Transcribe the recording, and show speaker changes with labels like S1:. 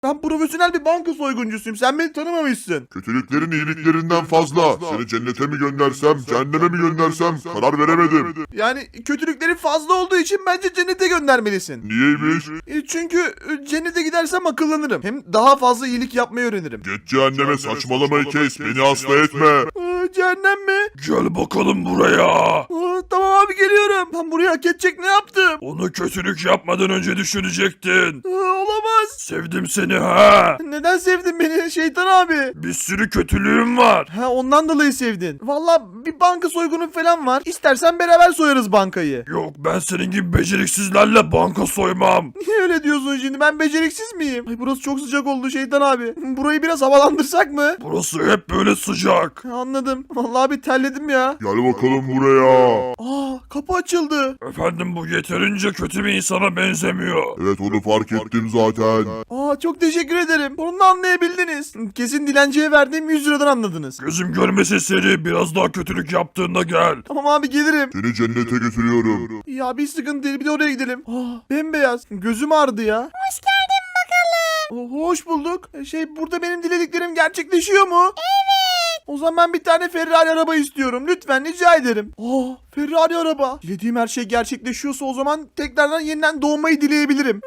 S1: Ben profesyonel bir banka soyguncusuyum. Sen beni tanımamışsın.
S2: Kötülüklerin iyiliklerinden fazla. Seni cennete mi göndersem, cehenneme mi göndersem karar veremedim.
S1: Yani kötülükleri fazla olduğu için bence cennete göndermelisin.
S2: Niyeymiş?
S1: Çünkü cennete gidersem akıllanırım. Hem daha fazla iyilik yapmayı öğrenirim.
S2: Geç cehenneme, saçmalamayı kes, beni hasta etme.
S1: Cehennem mi?
S3: Gel bakalım buraya.
S1: Tamam abi geliyorum. Ben buraya hak edecek ne yaptım?
S3: Onu kötülük yapmadan önce düşünecektin.
S1: Olamaz.
S3: Sevdim seni ha.
S1: Neden sevdin beni şeytan abi?
S3: Bir sürü kötülüğüm var.
S1: Ha ondan dolayı sevdin. Valla bir banka soygunu falan var. İstersen beraber soyarız bankayı.
S3: Yok, ben senin gibi beceriksizlerle banka soymam.
S1: Niye öyle diyorsun şimdi? Ben beceriksiz miyim? Ay burası çok sıcak oldu şeytan abi. Burayı biraz havalandırsak mı?
S3: Burası hep böyle sıcak.
S1: Anladım. Vallahi bir terledim ya.
S2: Gel bakalım buraya.
S1: Kapı açıldı.
S3: Efendim, bu yeterince kötü bir insana benzemiyor.
S2: Evet, onu fark ettim zaten.
S1: Çok teşekkür ederim. Bunu anlayabildiniz. Kesin dilenciye verdiğim 100 liradan anladınız.
S3: Gözüm görmesin seni, biraz daha kötülük yaptığında gel.
S1: Tamam abi gelirim.
S2: Seni cennete götürüyorum.
S1: Ya bir sıkıntı değil, bir de oraya gidelim. Bembeyaz. Gözüm ağrıdı ya. Hoş geldin bakalım. Hoş bulduk. Burada benim dilediklerim gerçekleşiyor mu? Evet. O zaman bir tane Ferrari araba istiyorum. Lütfen rica ederim. Ferrari araba. Dilediğim her şey gerçekleşiyorsa o zaman tekrardan yeniden doğmayı dileyebilirim.